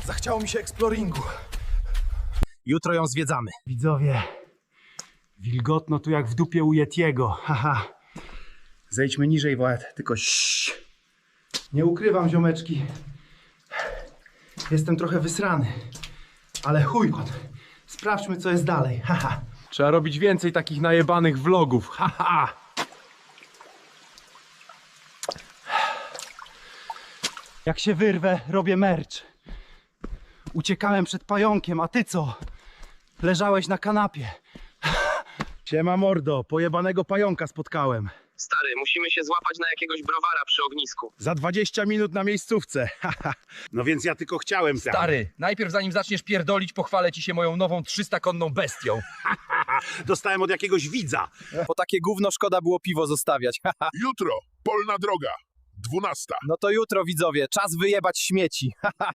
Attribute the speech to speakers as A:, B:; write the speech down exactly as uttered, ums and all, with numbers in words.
A: Zachciało mi się eksploringu.
B: Jutro ją zwiedzamy.
A: Widzowie, wilgotno tu jak w dupie u Yetiego. Haha. Zejdźmy niżej, Wład, tylko ściii. Nie ukrywam, ziomeczki. Jestem trochę wysrany. Ale chuj on. Sprawdźmy, co jest dalej. Haha.
B: Trzeba robić więcej takich najebanych vlogów. Haha.
A: Jak się wyrwę, robię merch. Uciekałem przed pająkiem, a ty co? Leżałeś na kanapie. Siema mordo, pojebanego pająka spotkałem.
C: Stary, musimy się złapać na jakiegoś browara przy ognisku.
B: Za dwadzieścia minut na miejscówce. Haha. No więc ja tylko chciałem.
D: Stary, najpierw zanim zaczniesz pierdolić, pochwalę ci się moją nową trzystakonną bestią.
B: Dostałem od jakiegoś widza.
D: Po takie gówno szkoda było piwo zostawiać.
E: Jutro, polna droga, dwunasta.
D: No to jutro, widzowie, czas wyjebać śmieci.